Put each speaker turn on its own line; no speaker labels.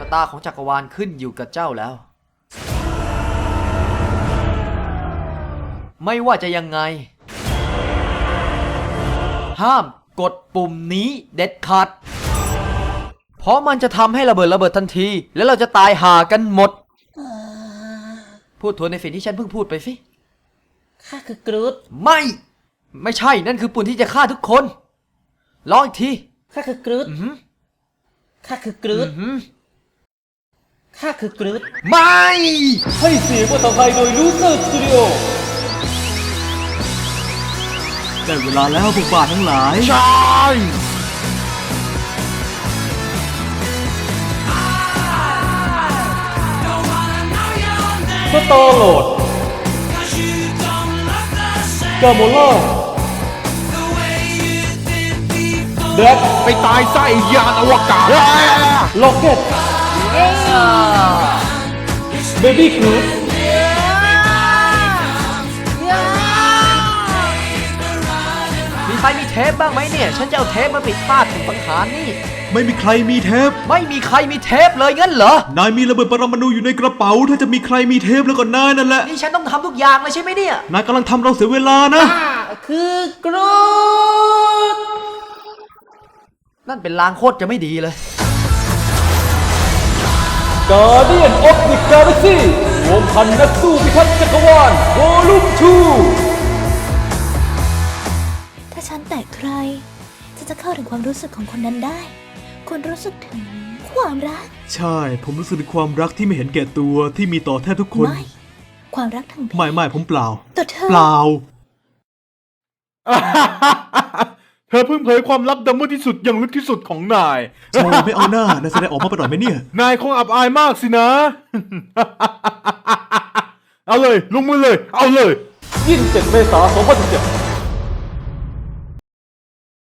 ะตาของจักรวาลขึ้นอยู่กับเจ้าแล้วไม่ว่าจะยังไงห้ามกดปุ่มนี้เด็ดขาดเพราะมันจะทำให้ระเบิดทันทีแล้วเราจะตายห่ากันหมดพูดทวนในสิ่งที่ฉันเพิ่งพูดไปสิ
ข้าคือกรูด
ไม่ใช่นั่นคือปุ่มที่จะฆ่าทุกคนลองอีกที
ข้าคือกรูดข้าคือกรูดข้าคือกรูด
ไม่
ให้เสียงภาษาไทยโดยลูเซอร์สตูดิโอ
ได้เวลาแล้วพวกบ้าทั้งหลาย
ใช่
สตอร์โหลดกาโมล่าแดก
ไปตายไส้ยานอวกาศ
ล็อกเก็ตเบบี้ครูซ
มีใครมีเทปบ้างไหมเนี่ยฉันจะเอาเทปมาปิดพลาดถึงสังหารนี่
ไม่มีใครมีเทป
ไม่มีใครมีเทปเลยงั้นเหรอน
ายมีระเบิดปรมาณูอยู่ในกระเป๋าถ้าจะมีใครมีเทปแล้วก็นายนั่นแหละ
นี่ฉันต้องทำทุกอย่างเลยใช่ไหมเนี่ย
นายกำลังทำเราเสียเวลานะ
คือกรูด
นั่นเป็นลางโคตรจะไม่ดีเลย
Guardian of the Galaxy รวมพันนักสู้พิทักษ์จักรวาล Volume 2
ถ้าฉันแตะใครฉันจะเข้าถึงความรู้สึกของคนนั้นได้คุณรู้สึกถึงความรัก
ใช่ผมรู้สึกถึงความรักที่ไม่เห็นแก่ตัวที่มีต่อแทบทุกคน
ไม่ความรักทางเพศ
ไม่ผมเปล่า
ต่อเธอ
เปล่า
เธอเพิ่งเผยความลับดำมืดที่สุดอย่างลึกที่สุดของนาย
โชว์ไม่เอาหน้านายแสดงออกมาประหลอดไหมเนี่ย
นายคงอับอายมากสินะ เอาเลยลงมือเลยเอาเลย
27 เมษายน 2017